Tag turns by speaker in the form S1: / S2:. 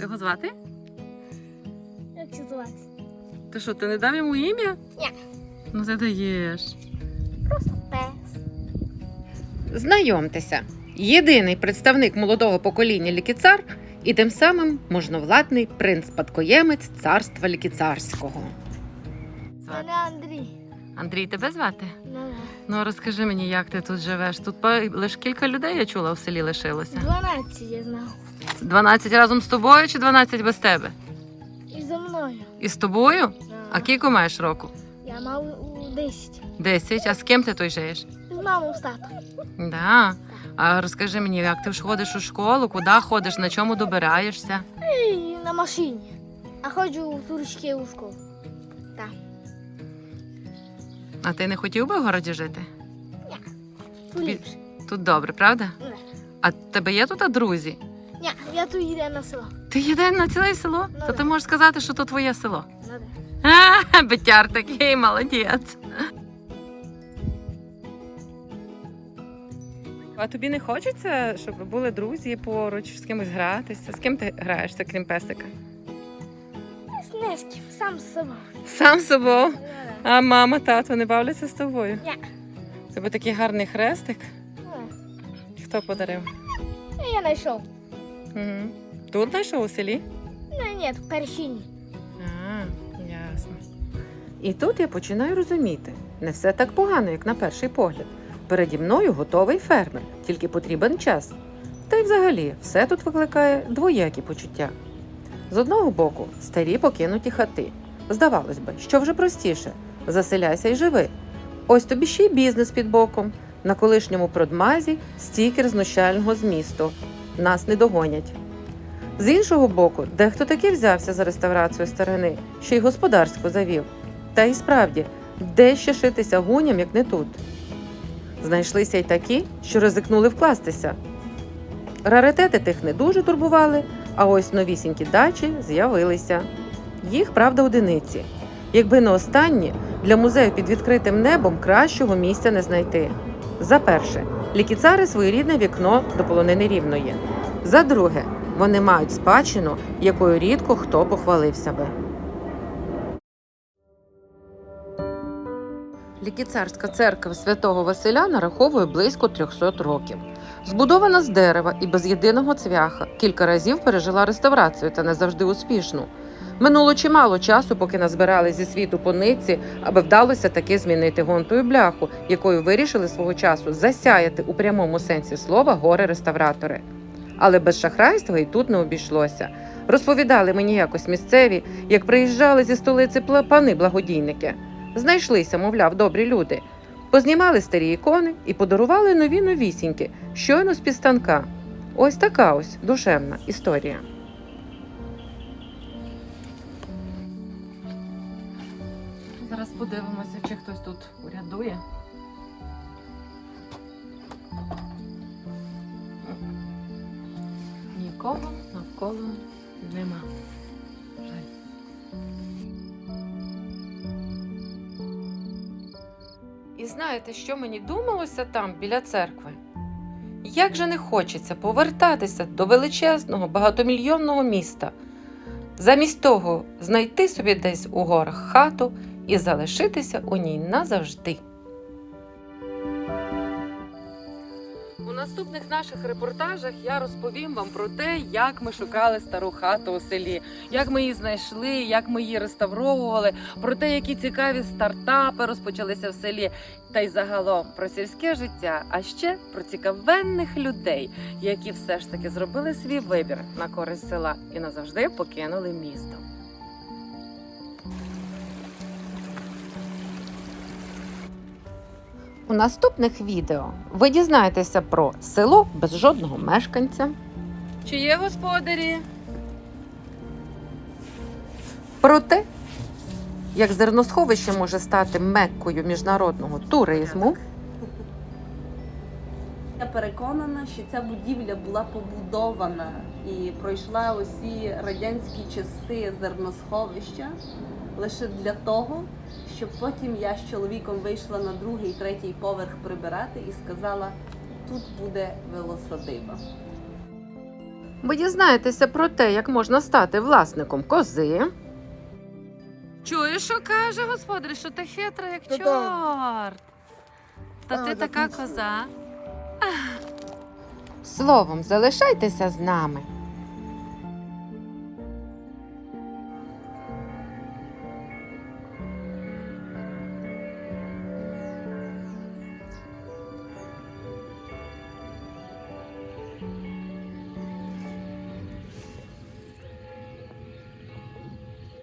S1: його звати?
S2: Як це звати?
S1: Ти що, ти не дав йому ім'я?
S2: Ні.
S1: Ну ти даєш.
S2: Просто пес.
S3: Знайомтеся, єдиний представник молодого покоління лікіцар і тим самим можновладний принц-спадкоємець царства лікіцарського.
S2: Мене Андрій.
S1: Андрій, тебе звати?
S2: Ну,
S1: Ну розкажи мені, як ти тут живеш? Тут лише кілька людей, я чула, в селі лишилося.
S2: 12 я знав.
S1: 12 разом з тобою чи 12 без тебе?
S2: І за мною.
S1: І з тобою? А кілько маєш року?
S2: Я мав у 10.
S1: 10. А з ким ти тут живеш?
S2: З мамою з татом.
S1: Да. А розкажи мені, як ти ж ходиш у школу, куди ходиш, на чому добираєшся?
S2: І на машині. А ходжу в турочки у школу. Так.
S1: А ти не хотів би в городі жити?
S2: Тут ліпше.
S1: Тут добре, правда?
S2: Не.
S1: А в тебе є тут друзі?
S2: Ні, я тут їду на село.
S1: Ти їде на ціле село?
S2: Ну,
S1: То
S2: да.
S1: ти можеш сказати, що то твоє село.
S2: Ну, да.
S1: Бетяр такий, молодець. А тобі не хочеться, щоб були друзі поруч, з кимось гратися? З ким ти граєшся, крім песика?
S2: Не з ким, сам з собою.
S1: Сам з собою.
S2: Ну, да.
S1: А мама, тато не бавляться з тобою?
S2: Ні.
S1: У тебе такий гарний хрестик.
S2: Ну, да.
S1: Хто подарив?
S2: Я знайшов.
S1: Угу. Тут знайшов у селі?
S2: Ну, ні, в першині.
S1: А, ясно.
S3: І тут я починаю розуміти, не все так погано, як на перший погляд. Переді мною готовий фермер, тільки потрібен час. Та й взагалі, все тут викликає двоякі почуття. З одного боку, старі покинуті хати. Здавалось би, що вже простіше – заселяйся й живи. Ось тобі ще й бізнес під боком. На колишньому продмазі стікер знущального змісту. Нас не догонять. З іншого боку, дехто таки взявся за реставрацію старини, ще й господарську завів. Та й справді, де ще шитися гуням, як не тут? Знайшлися й такі, що ризикнули вкластися. Раритети тих не дуже турбували, а ось новісінькі дачі з'явилися. Їх, правда, одиниці. Якби не останні, для музею під відкритим небом кращого місця не знайти. За перше, лікіцари своєрідне вікно до полонини Рівної. За друге, вони мають спадщину, якою рідко хто похвалився би. Лікіцарська церква святого Василя нараховує близько 300 років. Збудована з дерева і без єдиного цвяха, кілька разів пережила реставрацію та не завжди успішну. Минуло чимало часу, поки назбирали зі світу по нитці, аби вдалося таки змінити гонтою бляху, якою вирішили свого часу засяяти у прямому сенсі слова горе-реставратори. Але без шахрайства і тут не обійшлося. Розповідали мені якось місцеві, як приїжджали зі столиці пани-благодійники. Знайшлися, мовляв, добрі люди. Познімали старі ікони і подарували нові новісінькі, щойно з-під станка. Ось така ось душевна історія.
S1: Зараз подивимося, чи хтось тут урядує. Нікого навколо нема. Жаль.
S3: І знаєте, що мені думалося там, біля церкви? Як же не хочеться повертатися до величезного, багатомільйонного міста. Замість того знайти собі десь у горах хату і залишитися у ній назавжди.
S1: У наступних наших репортажах я розповім вам про те, як ми шукали стару хату у селі, як ми її знайшли, як ми її реставровували, про те, які цікаві стартапи розпочалися в селі, та й загалом про сільське життя, а ще про цікавенних людей, які все ж таки зробили свій вибір на користь села і назавжди покинули місто.
S3: У наступних відео ви дізнаєтеся про село без жодного мешканця,
S1: Чи є господарі?
S3: про те, як зерносховище може стати меккою міжнародного туризму,
S4: Я переконана, що ця будівля була побудована і пройшла усі радянські часи зерносховища лише для того, щоб потім я з чоловіком вийшла на другий, третій поверх прибирати і сказала, тут буде велосадиба.
S3: Ви дізнаєтеся про те, як можна стати власником кози.
S1: Чуєш, що каже господар, що ти хитра, як
S2: Та-да.
S1: чорт. Та
S2: А,
S1: ти
S2: так
S1: така
S2: точно.
S1: коза.
S3: Словом, залишайтеся з нами.